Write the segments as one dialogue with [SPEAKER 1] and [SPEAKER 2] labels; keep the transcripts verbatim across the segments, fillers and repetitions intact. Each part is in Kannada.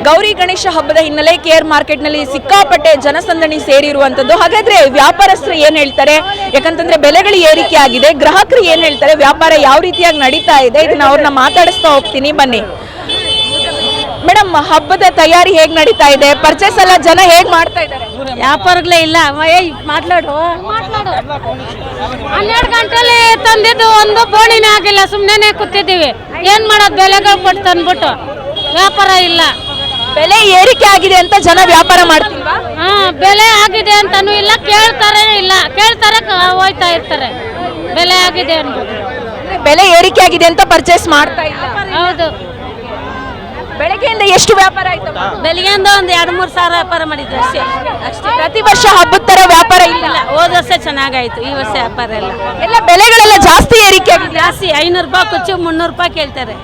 [SPEAKER 1] ಗೌರಿ ಗಣೇಶ ಹಬ್ಬದ ಹಿನ್ನೆಲೆ ಕೇರ್ ಮಾರ್ಕೆಟ್ನಲ್ಲಿ ಸಿಕ್ಕಾಪಟ್ಟೆ ಜನಸಂದಣಿ ಸೇರಿರುವಂತದ್ದು. ಹಾಗಾದ್ರೆ ವ್ಯಾಪಾರಸ್ಥರು ಏನ್ ಹೇಳ್ತಾರೆ, ಯಾಕಂತಂದ್ರೆ ಬೆಲೆಗಳು ಏರಿಕೆ ಆಗಿದೆ, ಗ್ರಾಹಕರು ಏನ್ ಹೇಳ್ತಾರೆ, ವ್ಯಾಪಾರ ಯಾವ ರೀತಿಯಾಗಿ ನಡೀತಾ ಇದೆ, ಇದನ್ನ ಅವ್ರನ್ನ ಮಾತಾಡಿಸ್ತಾ ಹೋಗ್ತೀನಿ ಬನ್ನಿ. ಮೇಡಮ್, ಹಬ್ಬದ ತಯಾರಿ ಹೇಗ್ ನಡೀತಾ ಇದೆ? ಪರ್ಚೇಸ್ ಎಲ್ಲ ಜನ ಹೇಗ್ ಮಾಡ್ತಾ ಇದ್ದಾರೆ?
[SPEAKER 2] ವ್ಯಾಪಾರಗಳೇ ಇಲ್ಲ. ಮಾತಾಡು ಹನ್ನೆರಡು ಗಂಟೆಲಿ ತಂದಿದ್ದು ಒಂದು ಬೋಣಿನೇ ಆಗಿಲ್ಲ, ಸುಮ್ಮನೆ ಕೂತಿದ್ದೀವಿ. ಏನ್ ಮಾಡೋದು, ಬೆಲೆಗಳು ಕೊಟ್ಟು ತಂದ್ಬಿಟ್ಟು ವ್ಯಾಪಾರ ಇಲ್ಲ.
[SPEAKER 1] ಬೆಲೆ ಏರಿಕೆ ಆಗಿದೆ ಅಂತ ಜನ ವ್ಯಾಪಾರ ಮಾಡ್ತಿಲ್ವಾ?
[SPEAKER 2] ಹಾ, ಬೆಲೆ ಆಗಿದೆ ಅಂತಾನು ಇಲ್ಲ, ಕೇಳ್ತಾರೆ ಇಲ್ಲ, ಕೇಳ್ತಾರೆ ಹೋಯ್ತಾ ಇರ್ತಾರೆ. ಬೆಲೆ ಆಗಿದೆ ಅನ್ಬೋದು.
[SPEAKER 1] ಬೆಲೆ ಏರಿಕೆ ಆಗಿದೆ ಅಂತ ಪರ್ಚೇಸ್ ಮಾಡ್ತಾ ಇಲ್ಲ.
[SPEAKER 2] ಹೌದು.
[SPEAKER 1] ಬೆಳಗ್ಗೆಯಿಂದ ಎಷ್ಟು ವ್ಯಾಪಾರ ಆಯ್ತು?
[SPEAKER 2] ಬೆಳಗ್ಗೆಯಿಂದ ಒಂದು ಎರಡು ಮೂರು ಸಾವಿರ ವ್ಯಾಪಾರ ಮಾಡಿದ್ವಿ ಅಷ್ಟೇ. ಅಷ್ಟೇ.
[SPEAKER 1] ಪ್ರತಿ ವರ್ಷ ಹಬ್ಬದ ತರ ವ್ಯಾಪಾರ ಇಲ್ಲ.
[SPEAKER 2] ಹೋದ ವರ್ಷ ಚೆನ್ನಾಗಾಯ್ತು, ಈ ವರ್ಷ ವ್ಯಾಪಾರ ಇಲ್ಲ.
[SPEAKER 1] ಎಲ್ಲ ಬೆಲೆಗಳೆಲ್ಲ ಜಾಸ್ತಿ ಏರಿಕೆ ಆಗಿದೆ.
[SPEAKER 2] ಜಾಸ್ತಿ ಐನೂರು ರೂಪಾಯಿ ಕುಚ್ಚು ಮುನ್ನೂರು ರೂಪಾಯಿ ಕೇಳ್ತಾರೆ.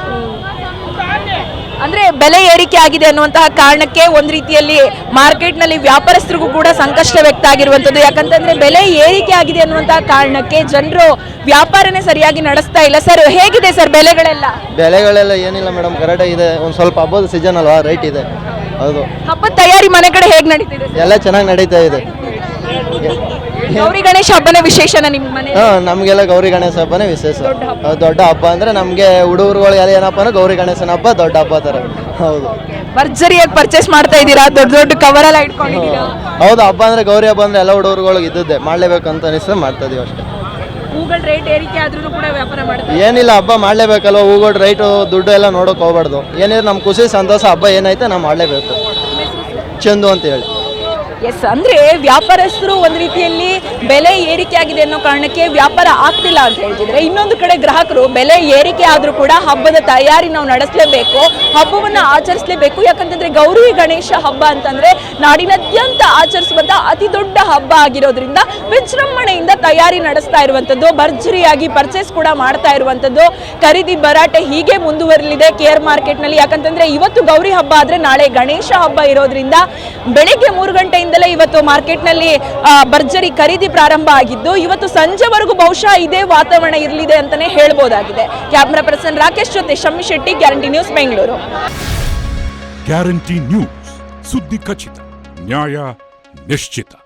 [SPEAKER 1] ಅಂದ್ರೆ ಬೆಲೆ ಏರಿಕೆ ಆಗಿದೆ ಅನ್ನುವಂತಹ ಕಾರಣಕ್ಕೆ ಒಂದ್ ರೀತಿಯಲ್ಲಿ ಮಾರ್ಕೆಟ್ ನಲ್ಲಿ ವ್ಯಾಪಾರಸ್ಥರಿಗೂ ಕೂಡ ಸಂಕಷ್ಟ ವ್ಯಕ್ತ ಆಗಿರುವಂತದ್ದು. ಯಾಕಂತಂದ್ರೆ ಬೆಲೆ ಏರಿಕೆ ಆಗಿದೆ ಅನ್ನುವಂತಹ ಕಾರಣಕ್ಕೆ ಜನರು ವ್ಯಾಪಾರನೇ ಸರಿಯಾಗಿ ನಡೆಸ್ತಾ ಇಲ್ಲ. ಸರ್, ಹೇಗಿದೆ ಸರ್ ಬೆಲೆಗಳೆಲ್ಲ?
[SPEAKER 3] ಬೆಲೆಗಳೆಲ್ಲ ಏನಿಲ್ಲ ಮೇಡಮ್, ಕರೆಕ್ಟ್ ಇದೆ. ಒಂದು ಸ್ವಲ್ಪ ಹಬ್ಬದ ಸೀಸನ್ ಅಲ್ವಾ, ರೈಟ್ ಇದೆ. ಹೌದು.
[SPEAKER 1] ಹಬ್ಬದ ತಯಾರಿ ಮನೆ ಕಡೆ ಹೇಗ್ ನಡೀತಿದೆ?
[SPEAKER 3] ಎಲ್ಲ ಚೆನ್ನಾಗಿ ನಡೀತಾ ಇದೆ.
[SPEAKER 1] ಗೌರಿ ಗಣೇಶ ಹಬ್ಬನೇ ವಿಶೇಷನ ನಿಮ್ಮ ಮನೆ?
[SPEAKER 3] ಹಾ, ನಮಗೆಲ್ಲ ಗೌರಿ ಗಣೇಶ ಹಬ್ಬನೇ ವಿಶೇಷ. ದೊಡ್ಡ ಹಬ್ಬ ಅಂದ್ರೆ ನಮ್ಗೆ ಹುಡುಗರುಗಳು ಎಲ್ಲ ಏನಪ್ಪ ಅಂದ್ರೆ ಗೌರಿ ಗಣೇಶನ ಹಬ್ಬ ದೊಡ್ಡ ಹಬ್ಬ ತರ. ಹೌದು.
[SPEAKER 1] ಭರ್ಜರಿಯಾಗಿ ಪರ್ಚೇಸ್ ಮಾಡ್ತಾ ಇದ್ದೀರಾ, ದೊಡ್ಡ ದೊಡ್ಡ ಕವರ್ ಎಲ್ಲ ಇಟ್ಕೊಂಡಿದ್ದೀರಾ?
[SPEAKER 3] ಹೌದು. ಹಬ್ಬ ಅಂದ್ರೆ ಗೌರಿ ಹಬ್ಬ ಅಂದ್ರೆ ಎಲ್ಲ ಹುಡುಗರುಗಳು ಇದ್ದದ್ದೇ ಮಾಡ್ಲೇಬೇಕಂತ ಅನಿಸ್ತದೆ, ಮಾಡ್ತಾ ಇದೀವಿ ಅಷ್ಟೇ.
[SPEAKER 1] ಹೂಗಳ ರೇಟ್ ಏರಿಕೆ ಆದ್ರೂ ಕೂಡ ವ್ಯಾಪಾರ ಮಾಡ್ತಾರೆ.
[SPEAKER 3] ಏನಿಲ್ಲ, ಹಬ್ಬ ಮಾಡ್ಲೇಬೇಕಲ್ವ, ಹೂಗಳ ರೈಟು ದುಡ್ಡು ಎಲ್ಲ ನೋಡೋಕೆ ಹೋಗ್ಬಾರ್ದು. ಏನಿದ್ರೆ ನಮ್ಮ ಖುಷಿ ಸಂತೋಷ ಹಬ್ಬ ಏನೈತೆ ನಾವು ಮಾಡಲೇಬೇಕು. ಚಂದು ಅಂತ ಹೇಳಿ.
[SPEAKER 1] ಎಸ್, ಅಂದ್ರೆ ವ್ಯಾಪಾರಸ್ಥರು ಒಂದ್ ರೀತಿಯಲ್ಲಿ ಬೆಲೆ ಏರಿಕೆ ಆಗಿದೆ ಅನ್ನೋ ಕಾರಣಕ್ಕೆ ವ್ಯಾಪಾರ ಆಗ್ತಿಲ್ಲ ಅಂತ ಹೇಳ್ತಿದ್ರೆ, ಇನ್ನೊಂದು ಕಡೆ ಗ್ರಾಹಕರು ಬೆಲೆ ಏರಿಕೆ ಆದ್ರೂ ಕೂಡ ಹಬ್ಬದ ತಯಾರಿ ನಾವು ನಡೆಸಲೇಬೇಕು, ಹಬ್ಬವನ್ನ ಆಚರಿಸಲೇಬೇಕು. ಯಾಕಂತಂದ್ರೆ ಗೌರಿ ಗಣೇಶ ಹಬ್ಬ ಅಂತಂದ್ರೆ ನಾಡಿನಾದ್ಯಂತ ಆಚರಿಸುವಂತ ಅತಿ ದೊಡ್ಡ ಹಬ್ಬ ಆಗಿರೋದ್ರಿಂದ ವಿಜೃಂಭಣೆಯಿಂದ ತಯಾರಿ ನಡೆಸ್ತಾ ಇರುವಂತದ್ದು, ಭರ್ಜರಿಯಾಗಿ ಪರ್ಚೇಸ್ ಕೂಡ ಮಾಡ್ತಾ ಇರುವಂತದ್ದು. ಖರೀದಿ ಭರಾಟೆ ಹೀಗೆ ಮುಂದುವರಲಿದೆ ಕೇರ್ ಮಾರ್ಕೆಟ್ ನಲ್ಲಿ. ಯಾಕಂತಂದ್ರೆ ಇವತ್ತು ಗೌರಿ ಹಬ್ಬ ಆದ್ರೆ ನಾಳೆ ಗಣೇಶ ಹಬ್ಬ ಇರೋದ್ರಿಂದ ಬೆಳಿಗ್ಗೆ ಮೂರು ಗಂಟೆಯಿಂದ ಇವತ್ತು ಮಾರ್ಕೆಟ್ ನಲ್ಲಿ ಭರ್ಜರಿ ಖರೀದಿ ಪ್ರಾರಂಭ ಆಗಿದ್ದು, ಇವತ್ತು ಸಂಜೆವರೆಗೂ ಬಹುಶಃ ಇದೇ ವಾತಾವರಣ ಇರಲಿದೆ ಅಂತಾನೆ ಹೇಳ್ಬೋದಾಗಿದೆ. ಕ್ಯಾಮರಾ ಪರ್ಸನ್ ರಾಕೇಶ್ ಜೊತೆ Shammi Shetty, guarantee news, Bengaluru.
[SPEAKER 4] Guarantee news, ಸುದ್ದಿ ಖಚಿತ, ನ್ಯಾಯ ನಿಶ್ಚಿತ.